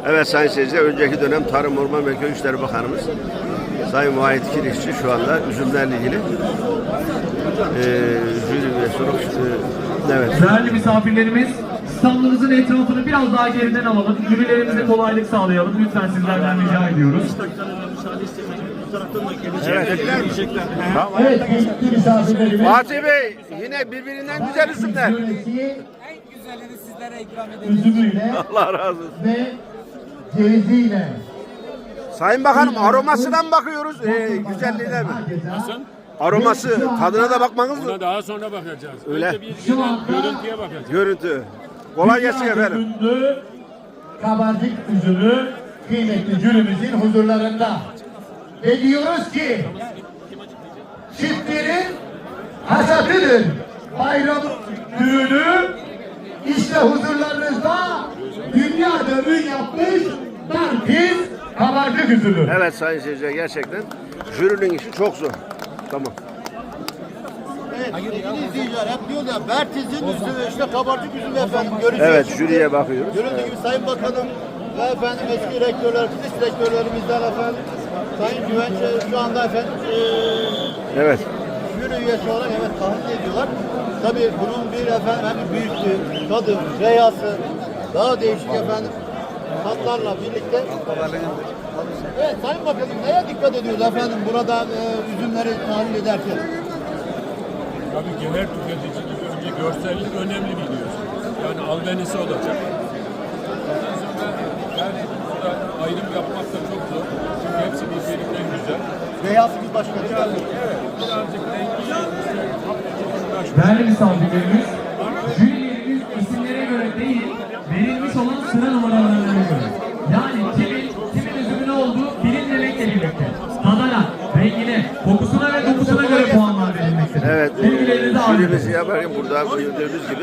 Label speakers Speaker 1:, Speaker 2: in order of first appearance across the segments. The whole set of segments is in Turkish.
Speaker 1: Evet sayın seyirciler, önceki dönem Tarım Orman ve Köy İşleri Bakanımız Sayın Vahit Kirişçi şu anda üzümlerle ilgili jüri ve soru evet.
Speaker 2: Değerli misafirlerimiz, standımızın etrafını biraz daha geriden alalım. Jürilerimize kolaylık sağlayalım. Lütfen sizlerden rica ediyoruz.
Speaker 1: Evet.
Speaker 2: Evet, kıymetli misafirlerimiz.
Speaker 1: Fatih Bey, yine birbirinden güzel üzümler.
Speaker 3: En güzelini sizlere ikram edeceğiz.
Speaker 2: Üzümüyle
Speaker 1: Allah razı olsun.
Speaker 2: ve ceviziyle.
Speaker 1: Sayın Bakanım, aromasından bakıyoruz. Güzelliğine mi?
Speaker 4: Nasıl?
Speaker 1: Aroması, tadına da bakmanız mı?
Speaker 4: Ona daha sonra bakacağız.
Speaker 1: Öyle.
Speaker 4: Önce bir genel görüntüye bakacağız.
Speaker 1: Görüntü. Kolay gelsin efendim.
Speaker 2: Ünlü kabarcık üzümü kıymetli jürimizin huzurlarında. Ve diyoruz ki çiftlerin hasatıdır. Bayram düğünü işte huzurlarınızda dünyada ün yapmış Darkiz kabarcık üzümü.
Speaker 1: Evet sayın seyirciler, gerçekten jürinin işi çok zor. Tamam.
Speaker 5: Evet, sevgili izleyiciler hep diyor ya Bertiz'in üzümü işte kabarcık üzümü efendim göreceğiz.
Speaker 1: Evet, jüriye bakıyoruz.
Speaker 5: Görüldüğü gibi Sayın Bakanım ve efendim eski rektörler, fizik rektörlerimizden efendim Sayın Güvenç şu anda efendim
Speaker 1: Evet.
Speaker 5: jüri üyesi olarak evet tahmin ediyorlar. Tabii bunun bir efendim hem büyüklüğü, tadı, reyası daha değişik efendim tatlarla birlikte. Evet Sayın Bakanım neye dikkat ediyoruz efendim burada üzümleri tahlil ederken?
Speaker 4: Tabii ki her tüketici gibi önce görsellik önemli biliyorsun. Yani albenisi olacak. Ondan sonra yani burada ayrım yapmak da çok zor. Çünkü hepsi birbirinden güzel.
Speaker 5: Reyası bir başka değil mi?
Speaker 4: Evet, birazcık rengi
Speaker 2: Değerli misafirlerimiz, jürilerimiz isimlere göre değil, verilmiş olan sıra numaralarına göre. Yani kimin üzümü ne olduğu bilinmemekle birlikte. Tadına, rengine, kokusuna ve dokusuna göre puanlar verilmektedir.
Speaker 1: Evet,
Speaker 2: Bilgilerinizi
Speaker 1: jürimizi
Speaker 2: alıyoruz.
Speaker 1: yaparken burada gördüğünüz gibi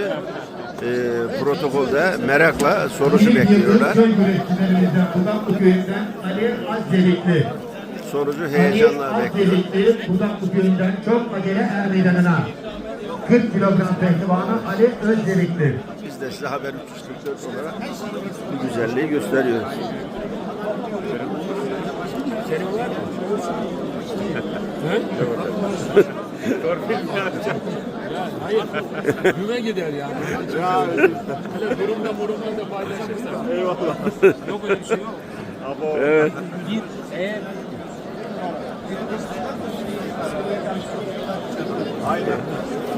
Speaker 1: protokolde merakla sonucu bekliyorlar.
Speaker 2: Köy üreticilerimizden, Budaklı köyünden Ali Azzelikli.
Speaker 1: Sonucu heyecanla bekliyor.
Speaker 2: Azzelikli, Budaklı köyünden çok acele er meydanına. 40 kilogram pehlivanı Ali Özdelikli.
Speaker 1: Biz de size Haber 344 olarak bu güzelliği gösteriyoruz.
Speaker 4: hayır. Güme gider yani. Böyle durumda da paylaşırsan. Eyvallah. Yok öyle bir şey yok.
Speaker 1: Evet.
Speaker 5: Aynen.